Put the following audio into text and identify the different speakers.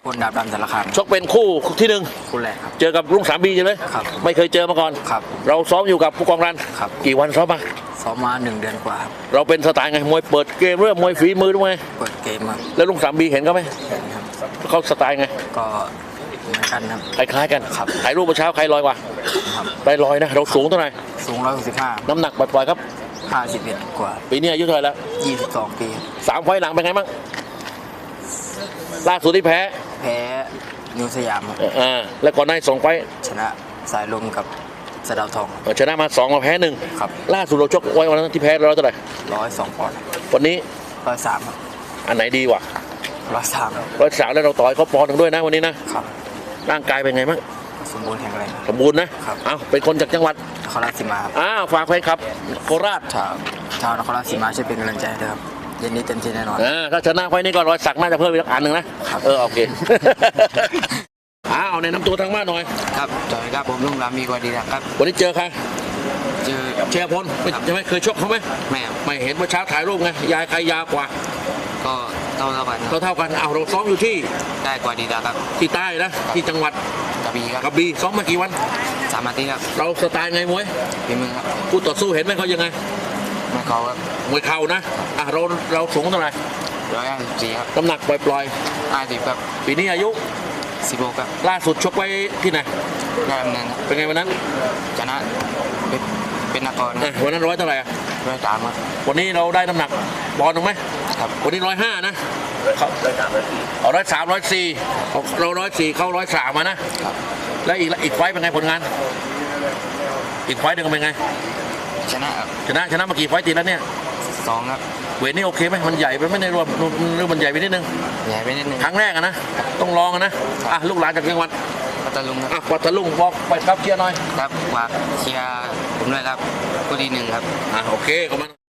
Speaker 1: คนดาบดำสารคาม
Speaker 2: ชกเป็นคู่ที่หนึ่ง
Speaker 1: คู่แรกครับ
Speaker 2: เจอกับลุงสามบีใช่ไหม
Speaker 1: ครับ
Speaker 2: ไม่เคยเจอมาก่อน
Speaker 1: ครับ
Speaker 2: เราซ้อมอยู่กับผู้กองรัน
Speaker 1: ครับ
Speaker 2: กี่วันซ้อมมา
Speaker 1: ซ้อมมา1 เดือนกว่าครับ
Speaker 2: เราเป็นสไตล์ไงมวยเปิดเกมเรื่องมวยฝีมือด้วย
Speaker 1: เปิดเกมครับ
Speaker 2: แล้วลุงสามบีเห็นเขาไหม
Speaker 1: เห็นครับ
Speaker 2: เขาสไตล์ไง
Speaker 1: ก็เหมือนกันครับ
Speaker 2: คล้ายๆกัน
Speaker 1: ครับ
Speaker 2: ถ่ายรูปเมื่อเช้าใครลอยกว่า
Speaker 1: ครับ
Speaker 2: ได้ลอยนะเราสูงเท่าไหร่
Speaker 1: สูง165
Speaker 2: น้ำหนักปล่อยๆครับ
Speaker 1: 51กว่า
Speaker 2: ปีนี้อายุเท่าไหร่แล้ว
Speaker 1: 22 ปี
Speaker 2: 3 ไฟล์หลังเป็นไงบ้างล่าสุดที่แพ้
Speaker 1: แพ้นิวสยามครับ
Speaker 2: แล้วก่อนหน้า2 ไฟล์
Speaker 1: ชนะสายลมกับสะเดาวทอง
Speaker 2: ชนะมา2มาแพ้1
Speaker 1: ครับ
Speaker 2: ล่าสุดเราชกไว้วันนั้นที่แพ้เราเท่าไหร่
Speaker 1: 102 ปอนด์
Speaker 2: วันนี้
Speaker 1: 103ครับ
Speaker 2: อันไหนดีกว่า
Speaker 1: 103ครับ
Speaker 2: 103แล้วเราต่อยเขาปอนด์หนึ่งด้วยนะวันนี้นะครับ ร่างกายเป็นไงบ้าง
Speaker 1: สมบูรณ์แข็งแรง
Speaker 2: สมบูรณ์นะครับ เอาเป็นคนจากจังหวัด
Speaker 1: นครราชสีมาครับ
Speaker 2: ฝากแฟนครับโคราช
Speaker 1: ชาวนครราชสีมาช่วยเป็นกำลังใจด้วยครับเย็นนี้เต็มที่แน่นอน
Speaker 2: ถ้าชนะไฟล์นี้ก็รอยสักน่าจะเพิ่มอีกอันหนึ่งนะครับ โอเค เอาในน้ำตัวทางบ้านหน่อย
Speaker 1: ครับจอยครับผมลุงรามีกว่าดีนะครับ
Speaker 2: วันนี้เจอใคร
Speaker 1: เจอ
Speaker 2: เชียร์พลใช่ไหมเคยชกเขาไหม
Speaker 1: แม่ครับ
Speaker 2: ไม่เห็นเมื่อเช้าถ่ายรูปไงยายใครยาวกว่า
Speaker 1: ก็เท่ากันครับ
Speaker 2: เท่ากันเอาเราซ้อมอยู่ที่
Speaker 1: ได้กว่าดีครับ
Speaker 2: ที่ใต้นะที่จังหวัด
Speaker 1: กระบี่ครับ
Speaker 2: กระบี่ซ้อมมากี่วัน
Speaker 1: 3 อาทิตย์ครับ
Speaker 2: เราสไตล์ไงมวย
Speaker 1: ฝีมือครับ
Speaker 2: คู่ต่อสู้เห็นไหมเขายังไง
Speaker 1: ไม่เขาครับ
Speaker 2: มวยเข่านะเราสูงเท่าไหร่
Speaker 1: 154ครับ
Speaker 2: น้ำหนักปล่อย
Speaker 1: 50ครับ
Speaker 2: ๆปีนี้อายุ
Speaker 1: 16ครับ
Speaker 2: ล่าสุดชกไว้ที่ไหน
Speaker 1: ได้ดำเนินครับ
Speaker 2: เป็นไงวันนั้น
Speaker 1: ชนะเป็นนครครับ
Speaker 2: วันนั้นร้อยเท่าไหร่อะ
Speaker 1: 103ครับ
Speaker 2: วันนี้เราได้น้ำหนักปอนด์หนึ่งไหม
Speaker 1: ครับ
Speaker 2: วันนี้105นะเอา103 104เรา104เข้า103มานะครับ แล้วอีกไฟต์เป็นไงผลงาน อีกไฟต์หนึ่งเป็นไง
Speaker 1: ชนะครับ
Speaker 2: ชนะมากี่ไฟต์ติดแล้วเนี่ย
Speaker 1: 2ครับ
Speaker 2: เวทนี่โอเคไหมมันใหญ่ไปไม่ได้รวมหรือมันใหญ่ไปนิดนึง
Speaker 1: ใหญ่ไปนิดนึง
Speaker 2: ครั้งแรกอะนะต้องลองอะนะลูกหลานจากจังหวัด
Speaker 1: พัทลุงครับ
Speaker 2: ปัตตาลุงบอกไปครับเชียร์หน่อย
Speaker 1: ครับฝากเชียร์ผมด้วยครับผู้ดี1ครับ
Speaker 2: โอเคขอบคุณ